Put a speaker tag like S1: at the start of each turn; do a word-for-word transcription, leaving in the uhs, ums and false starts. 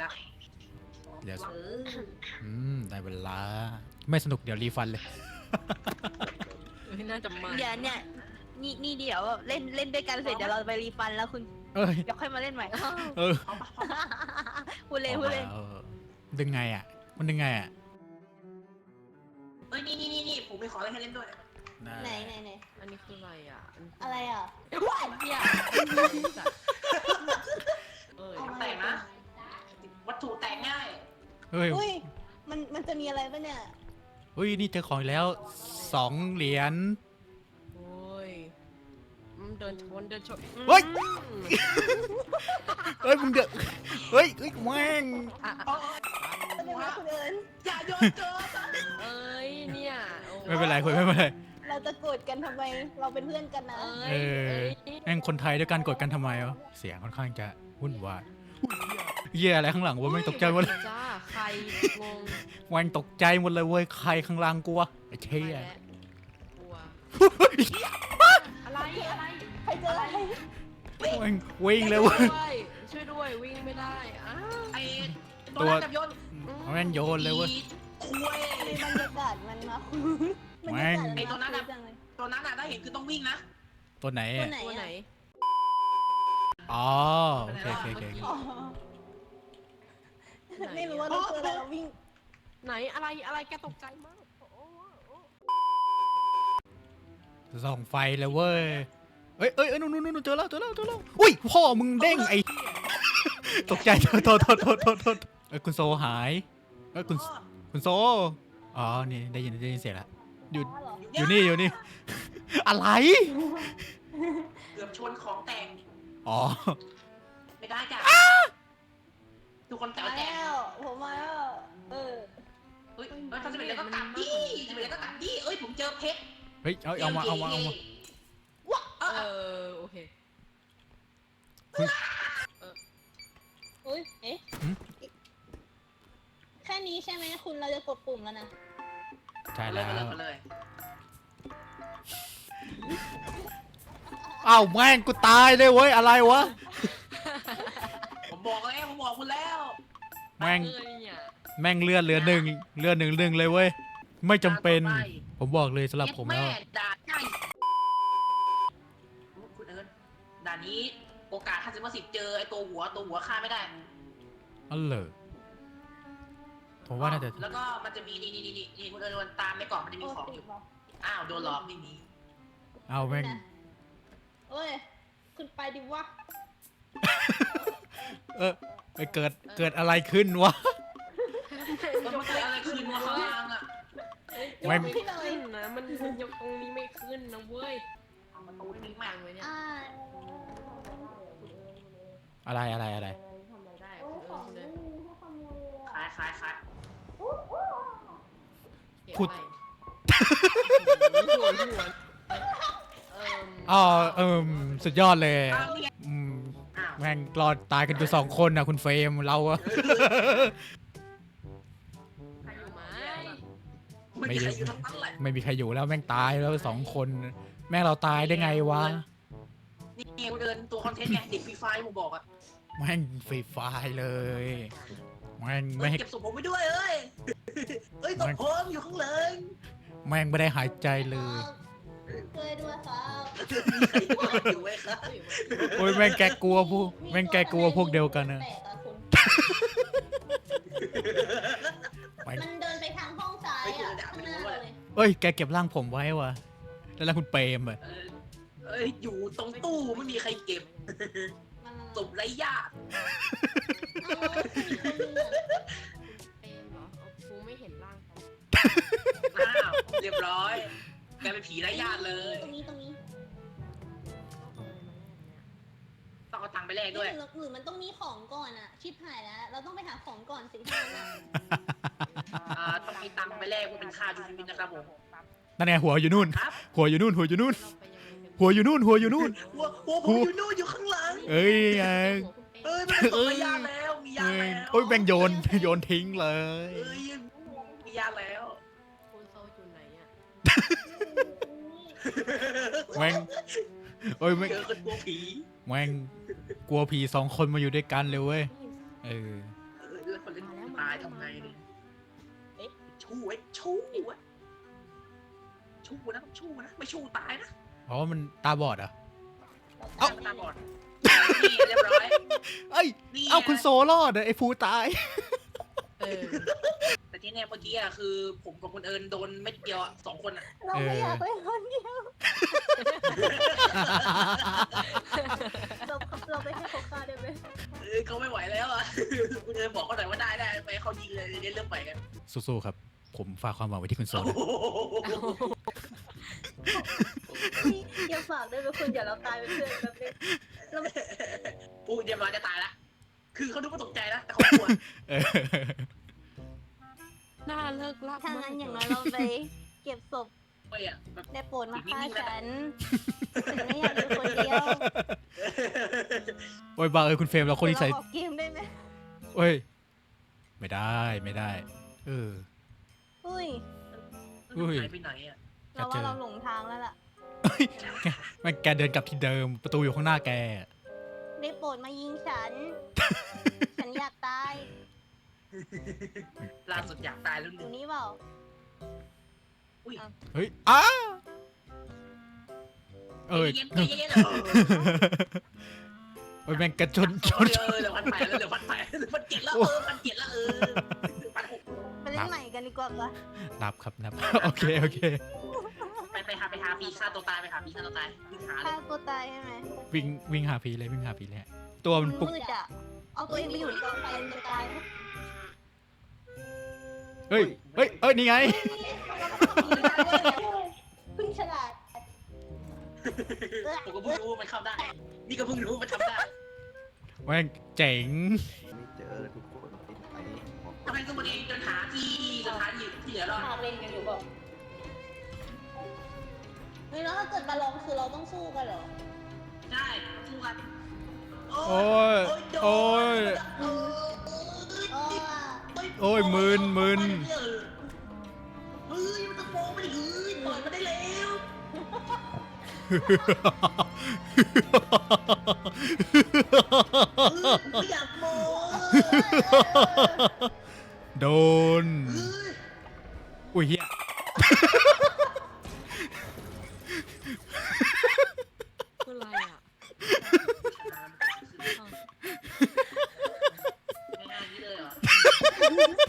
S1: แล้ว
S2: เดี๋ยว
S1: เออ
S2: อืมได้เวลาไม่สนุกเดี๋ยวรีฟันเลย
S3: ไม่น่าจะมา
S4: เดี๋ยวเนี่ยนี่นี่เดี๋ยวเล่นเล่นด้วยกันเสร็จเดี๋ยวเราไปรีฟันแล้วคุณ
S2: เอ้ย
S4: เดี๋ยวค่อยมาเล่นใหม่
S2: เออ
S1: เอาปะเอาปะ
S4: พูดเล่นพูดเล่น
S2: อามาออดึงไงอ่ะมันดึงไงอ่ะ
S1: เอ้ยนี่นี่นี่นี่ผมมีของอะไรให้เล่นด้วย
S4: ไหนไหนไหน
S3: อันนี้คืออะไรอ่ะอันนี้
S4: อะไรอ่ะ
S3: ว้ายเนี่ยเอ้ย
S1: ของแต่งนะ วัตถุแต่งง่าย
S2: เฮ้ย
S4: อุ้ยมันมันจะมีอะไรปะเนี่ย
S2: เฮ้ยนี่เจอของอีกแล้วสองเหรียญ
S3: โอ้ยอืมเดินชนเดินชน
S2: เฮ้ย
S3: อืม
S2: เฮ้ยมึงเดือดเฮ้ยเฮ้ยแม่ง
S3: อ่ะ
S1: โอ้
S4: แสดงว่าคุณเอิญ
S1: อย่าโยนเกิน
S3: เอ้ยเนี่ยโอ้
S2: ไม่เป็นไรคุยไม่เป็นไร
S4: เราจะโกรธกันทำไมเราเป็นเพื่อนกันนะ
S3: เอ้
S2: เอย อ
S3: เอ้ย
S2: แม่งคนไทยด้วยกันกดกันทำไมวะเสียงค่อนข้างจะวุ่นวายเหี้ยอะไรข้างหลังวะแม่งตกใจหมดเลย
S3: จ้าใครงง
S2: แม่งตกใจหมดเลยเว้ยใครข้างล่างกลัวไอ้เชี่ย
S3: ไปแล้วกลัวอะไรอะไร
S4: ใครเจออะไร
S2: แม่งวิ่งเลยเว้ย
S3: ช่วยด้วยวิ่งไม่ได้อ้าว
S1: ไอ้ตัวนั้นจับโยน
S2: แม่งโยนเลยเว้ย
S1: อีคุย
S4: บรรยากาศมันมาคุยบรร
S2: แม่
S4: ยาง กาศ
S1: ไอ้ตัวนั้น
S4: มา
S1: อะ
S4: คุยจังเลย
S1: ตัวนั้นอะถ้าเห็นคือต้องวิ่งนะ
S2: ตัวไหน
S4: ตัว
S2: อะ
S4: ไหน
S3: ตัวไหน
S4: อะ
S2: อ๋อโอเคโอเคโอเค
S4: อ๋อไม่รู้ว่าเราเจออะไรเราวิ่ง
S3: ไหนอะไรอะไรแกตกใจมากโอ้โห
S2: ส่องไฟเลยเว้ยเอ้ยเอ้ยเอ้ยนู่นนู่นนู่นเจอแล้วเจอแล้วเจอแล้วอุ้ยพ่อมึงเด้งไอ้ตกใจโทษโทษโทษโทษโทษโทษเอ้ยคุณโซหายเอ้ยคุณคุณโซอ๋อนี่ได้ยินได้ยินเสียงแล้วอยู่
S4: อ๋อเหรอ
S2: อยู่นี่อยู่นี่ อะไร
S1: เกือบชนของแต่ง
S2: อ๋อ
S1: ไม่ได้จ้ะทุกคนแต่
S4: มา
S1: ว่าแต่ง
S4: แล้วผมมาแล้วเออ
S1: เฮ้ยเฮ้ยถ้าจะเป็นอะไรก็ตัดดิจะเป็นอะไรก็ตัดดิเอ้ยผมเจอเพชร
S2: เฮ้ยเอาเอามาเอามาเอามา
S1: ว้าเอ
S3: เอ
S1: อ
S3: อโอเค
S4: อุ้ยเอ๊ะแค่นี้ใช่ไหมคุณเราจะกดปุ่มแล้วนะ
S2: ใช่
S1: เล
S2: แล้
S1: ยว มาเลยมาเลย
S2: อ้าวแม่งกูตายเลยเว้ยอะไรวะ
S1: ผมบอกแล้วผมบอกคุณแล้ว
S2: แม่ง
S3: เออเนี่ย
S2: แม่งเลือดเหลือหนึ่งเลือดหนึ่งหนึ่งเลยเว้ยไม่จำเป็น ผมบอกเลยสำหรับผมแล้ว
S1: แม่ด่าใช่คุณเอิญด่านนี้โอกาสห้าสิบเปอร์เซ็นต์เจอไอ้ตัวหัวตัวหัวฆ่าไม่ได้
S2: อ๋อเหรอผมว่าน่าจะ
S1: แล้วก็มันจะมีนี่นี่นี่นี่คุณเอิญโดนตามในกล่องมันจะมีของอยู่อ้าวโดนหลอกไม่มี
S2: เอาแม่ง
S4: เอ้ยคุณไปดิวะ
S2: เออไปเกิดเกิดอะไรขึ้นวะ
S1: แล้วมันเกิดอะไรขึ้นวะข้างล่างอ่ะ
S2: ไม่
S3: ไม่ขึ้นนะมันยกตรงนี้ไม่ขึ้นนะเว้ย
S1: เอามันตรงนี้
S3: ฟั
S1: มาง
S3: ไว้เนี่ย
S4: อ่า
S2: อะไรอะไรอะไร
S3: ทำอะไรได้คุณเอิญเลย
S1: คล้ายคล้ายคล้าย
S2: พูด
S3: หัวหัวเอิ่ม
S2: อ๋อเออสุดยอดเลย
S1: อ้าวนี่ไง
S2: อืม
S1: อ้าว
S2: แม่งรอดตายกันอยู่สองคนนะคุณเฟรมเราอะ
S3: ใครอยู่ไหม
S1: ไม่มีใครอยู่ทั้งนั้นแหละ
S2: ไม่มีใครอยู่แล้วแม่งตายแล้วสองคน แม่งเราตายได้ไงวะ
S1: นี่คุณเอิญตัวคอนเทนต์ไงเด็กฟรีไฟผมบอกอ่ะ
S2: แม่งฟรีไฟล์เลยแม่ง
S1: เอ้
S2: ไม่
S1: ย
S2: ให้
S1: เก็บศพผมไว้ด้วยเอ้ยเอ้ยศพผมอยู่ข้างหลัง
S2: แม่งไม่ได้หายใจเลย
S4: ช่วยด้วยครับ
S1: มีใครอยู่ไหมครับ
S2: โอ้ยแม่งแกกลัวพวกแม่งแกกลัวพวกเดียวกันนะ
S4: แปลกอะคุณ
S2: แม่ง
S4: มันเดินไปทางห้องซ้ายอ่ะข้างหน้าเลย
S2: เอ้ยแกเก็บร่างผมไว้วะแล้วแล้วคุณเปรมอะ
S1: เออเอ้ยอยู่ตรงตู้ไม่มีใครเก็บ
S4: มัน
S1: ศพไร้ญาติ
S4: เอาแล้วมีคนเหลือ
S3: เป็นเหรอเอาฟูไม่เห็นร่างเขา
S1: อ้าวเรียบร้อยกลายเป็นผีไร้ญาติเลย
S4: ตรงนี้ตรงนี้
S1: ต้องเอาตังค์ไปแลกด้วย
S4: หรือหรือมันต้องมีของก่อนอ่ะ ชิบหายแล้ว เราต้องไปหาของก่อนสิท่าน
S1: อ่าต้องมีตังค์ไปแลกว่าเป็นค่าจูบินนะครับผม
S2: นั่นไงหัวอยู่นู่น
S1: ครับ
S2: หัวอยู่นู่นหัวอยู่นู่น
S3: เราไปยังไงกัน
S2: หัวอยู่นู่นหัวอยู่นู่น
S1: หัวหัวผมอยู่นู่นอยู่ข้างหลัง
S2: เอ้ยไง
S1: เอ้ยไม่ต้องไปญาติแล้วมีญา
S2: เอ้
S1: ติ
S2: ย
S1: แล้ว
S2: โอ้ยแม่งโยนโยนทิ้งเลย
S1: เอ้ยมีญาติแล้ว
S3: คุณโซอยู่ไหนอ่ะ
S2: แม่งโอ้ยแม่ง
S1: เจอคนกลัวผี
S2: แม่งกลัวผีสองคนมาอยู่ด้วยกันเลยเว้ยเออ
S1: เอ้ยคนเล่น
S3: มาแล้ว
S1: ตาย
S3: มาแล้ว
S1: ทำไงเนี่ย
S3: เอ๊ะ
S1: ชู้ไอ้ชู้ไอ้ชู้นะชู้นะไม่ชู้ตายนะ
S2: อ๋อมันตาบอดเหรอ่ะ
S1: เอ้าตาบอดนี่เรียบร้อย
S2: เอ้ย
S1: นี่
S2: เอ้าคุณโซรอดอะไอ้ฟูตาย
S3: เออ
S1: แต่ที่เนี่ยเมื่อกี้อะคือผมกับคุณเอิญโดนเม็ดเดียวอะสองคนอะ
S4: เราไม่อยากไปคนเดียวเราเราไปให้เขาฆ่าได้ไหม
S1: เออเขาไม่ไหวแล้วอะคุณเอิญบอกเขาหน่อยว่าได้ได้ไปเขายิงเลยเริ่มไปกัน
S2: สู้ๆครับ ผมฝากความหวังไว้ที่คุณโซ
S1: โอ้
S2: นะ
S1: โห
S4: พี่อย่าฝากด้วยนะคุณอย่าเราตายเป็นเพื่อนแบบนี้เรา
S1: ปูเดี๋ยวมาจะตายละคือเขาดูว่าตกใจนะแต่เขากลัว
S2: เออ
S3: น่าเลิกลัก
S4: ถ้าม
S3: าก
S4: งั้นอย่างน้อยเราไปเก็บศพ
S1: ไม่อะแบบ
S4: ได้โปรดมาฆ่าฉันฉันไม่อยากอยู่คนเดียว
S2: โอ้ยบ้าเอ้ยคุณเฟรมเราคนนิสัย
S4: เราออกเกมได้ไหม
S2: เอ้ย ไม่ได้ไม่ได้ เออ
S4: อุ้ย
S2: อุ้ย
S1: หายไปไหนอะ
S4: เราว่าเราหลงทางแล้วล่ะ
S2: แม่งแกเดินกลับที่เดิมประตูอยู่ข้างหน้าแก
S4: ได้โปรดมายิงฉัน ฉันอยากตาย
S1: ล่าสุดอยากตายแล้ว
S4: อ
S1: หนึ่
S4: ยู่
S1: ง
S4: นี่เปล่า
S2: เฮ้ยอ้าเอ้ย
S1: เย็นใจเย็นๆเออ
S2: เอ้ยแม่งกระชนช
S1: เอน
S2: ช
S1: อน เหลือพันแปดแล้วเหลือพันแปดเหลือพันเจ็ดแล้วเออพันเจ็ดแล้วเออพันหก
S4: ไปเล่นใหม่กันดีกว่าปะ
S2: นับครับนับ โอเคโอเค
S1: ไปไปหาไปหาปีฆ่าตัวตายไปหาปีฆ่าตัวตายวิ่งหาเล
S4: ฆ่าย ตัวตายใช่ไหม
S2: วิ่งวิ่งหาพีเลยวิ่งหาพีเลยฮะตัวมันปุก
S4: มืดอ่ะ เอาตัวเองไปอยู่ในกองไฟมันจะตายไหม
S2: เฮ้ยเฮ้ยเอ้ยนี่ไง
S4: เพิ่งฉลาด
S1: ผมก็เพิ่งรู้ว่ามันเข้าได้ นี่ก็เพิ่งรู้ว่ามันทำได้
S2: แม่งเจ๋ง
S5: ไม่เจอทุกคนติดไปบอก
S1: ทำไมต้องมาเองจนหาที่สถานที่ที่เหลือรอด
S4: หาเล่นกันอยู่บอกเฮ้ยแล้วถ้าเกิดมาลองคือเราต้องสู้กันเหรอ
S1: ได้สู้กัน
S2: โอ้ยโอ้ย
S4: อ๋อ
S2: โอ้ยมึนมึน
S1: เฮ้ยมันตะโกนไปดิเฮ้ยปล่อยมันได้แล้วไม่อยากโม
S2: โดน อุ้ยเฮีย
S3: คืออะไรอ่ะ
S1: ง่ายๆนี้เลยเหรอ